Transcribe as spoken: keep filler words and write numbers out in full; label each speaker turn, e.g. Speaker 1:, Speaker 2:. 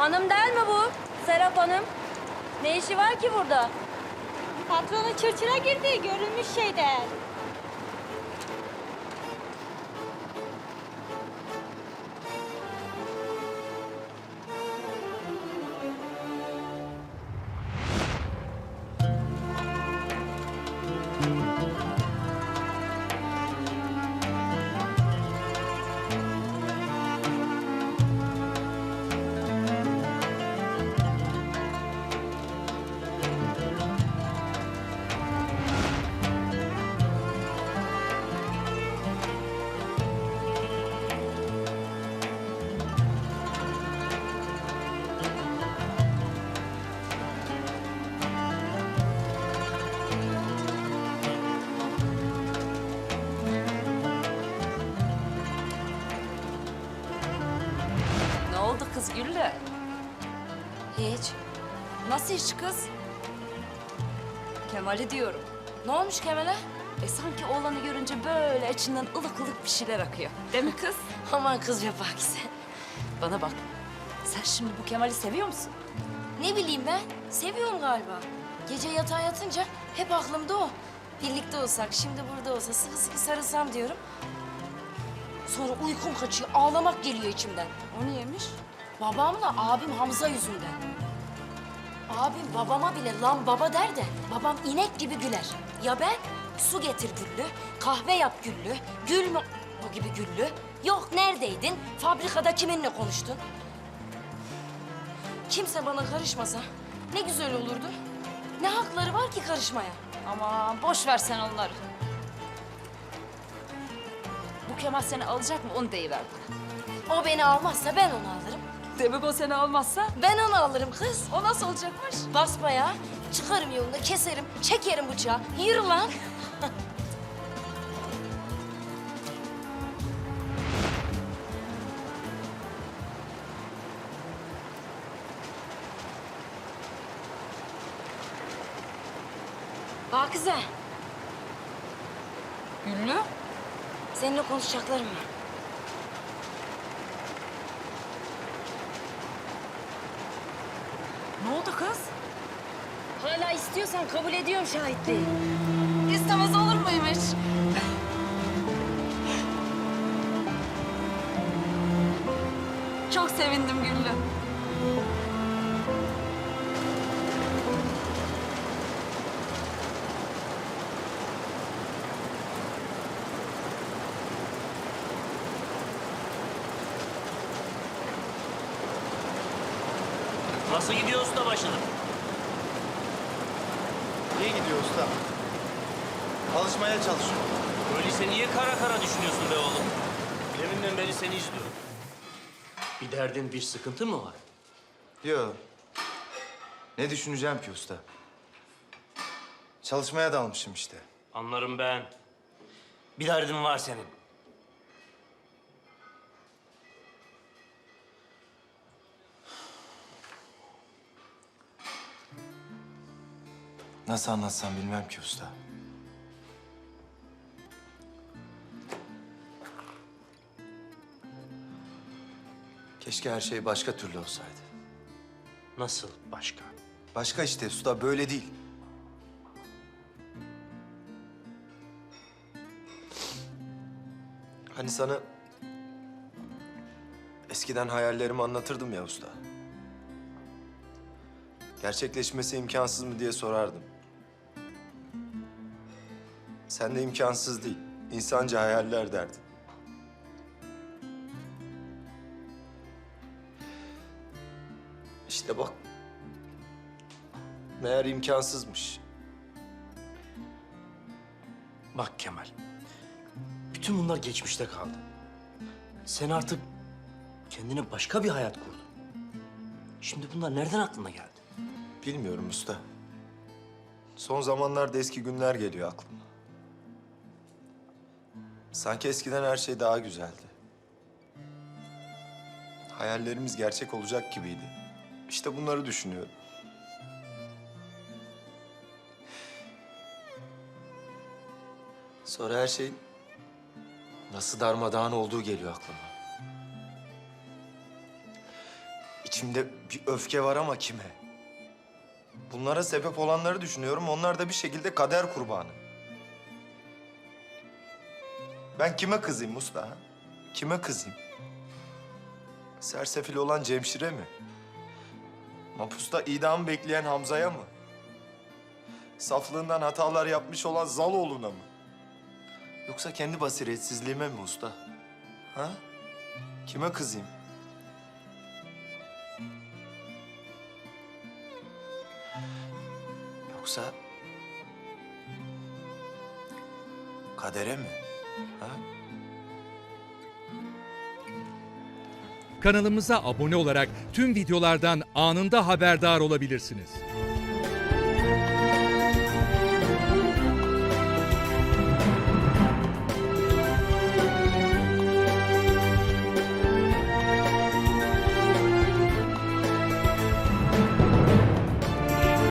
Speaker 1: Hanım değil mi bu? Serap Hanım. Ne işi var ki burada?
Speaker 2: Patronu çırçıra girdi, görülmüş şeyden.
Speaker 3: Ne oldu kız Güllü?
Speaker 1: Hiç.
Speaker 3: Nasıl iş kız?
Speaker 1: Kemal'i diyorum.
Speaker 3: Ne olmuş Kemal'e? E sanki oğlanı görünce böyle içinden ılık ılık bir şeyler akıyor. Değil mi kız?
Speaker 1: Aman kız be Pakize.
Speaker 3: Bana bak. Sen şimdi bu Kemal'i seviyor musun?
Speaker 1: Ne bileyim ben, seviyorum galiba. Gece yatağa yatınca hep aklımda o. Birlikte olsak, şimdi burada olsa sıkı sıkı sarılsam diyorum. Sonra uykum kaçıyor, ağlamak geliyor içimden.
Speaker 3: O niyemiş?
Speaker 1: Babamla abim Hamza yüzünden. Abim babama bile lan baba der de babam inek gibi güler. Ya ben? Su getir Güllü, kahve yap Güllü, gül mü o gibi Güllü. Yok neredeydin, fabrikada kiminle konuştun? Kimse bana karışmasa ne güzel olurdu. Ne hakları var ki karışmaya?
Speaker 3: Aman boş ver sen onları. Bu Kemal seni alacak mı onu deyiver bana.
Speaker 1: O beni almazsa ben onu alırım.
Speaker 3: Demek o seni almazsa
Speaker 1: Ben onu alırım kız.
Speaker 3: o nasıl olacakmış?
Speaker 1: Basbayağı çıkarım yolunda, keserim, çekerim bıçağı. Yürü lan. Pakize,
Speaker 3: Güllü?
Speaker 1: seninle konuşacaklarım var.
Speaker 3: Ne oldu kız?
Speaker 1: Hala istiyorsan kabul ediyorum şahitliği.
Speaker 3: İstemez olur muymuş? Çok sevindim Güllü.
Speaker 4: Nasıl gidiyor usta başınım?
Speaker 5: İyi gidiyor usta. Alışmaya çalışıyorum.
Speaker 4: Öyleyse niye kara kara düşünüyorsun be oğlum? Deminden beri seni izliyorum. Bir derdin, bir sıkıntı mı var?
Speaker 5: Yok. Ne düşüneceğim ki usta? Çalışmaya dalmışım işte.
Speaker 4: Anlarım ben. Bir derdin var senin.
Speaker 5: Nasıl anlatsam bilmem ki usta. Keşke her şey başka türlü olsaydı.
Speaker 4: Nasıl başka?
Speaker 5: Başka işte usta, böyle değil. Hani sana eskiden hayallerimi anlatırdım ya usta. Gerçekleşmesi imkansız mı diye sorardım. Sen de imkansız değil, insanca hayaller derdin. İşte bak, meğer imkansızmış.
Speaker 4: Bak Kemal, bütün bunlar geçmişte kaldı. Sen artık kendine başka bir hayat kurdun. Şimdi bunlar nereden aklına geldi?
Speaker 5: Bilmiyorum usta. Son zamanlarda eski günler geliyor aklıma. Sanki eskiden her şey daha güzeldi. Hayallerimiz gerçek olacak gibiydi. İşte bunları düşünüyorum. Sonra her şeyin nasıl darmadağın olduğu geliyor aklıma. İçimde bir öfke var ama kime? Bunlara sebep olanları düşünüyorum. Onlar da bir şekilde kader kurbanı. Ben kime kızayım usta? Ha? Kime kızayım? Sersefil olan Cemşir'e mi? Mapusta idam bekleyen Hamza'ya mı? Saflığından hatalar yapmış olan Zaloğlu'na mı? Yoksa kendi basiretsizliğime mi usta? Ha? Kime kızayım? Yoksa kadere mi? Ha?
Speaker 6: Kanalımıza abone olarak tüm videolardan anında haberdar olabilirsiniz.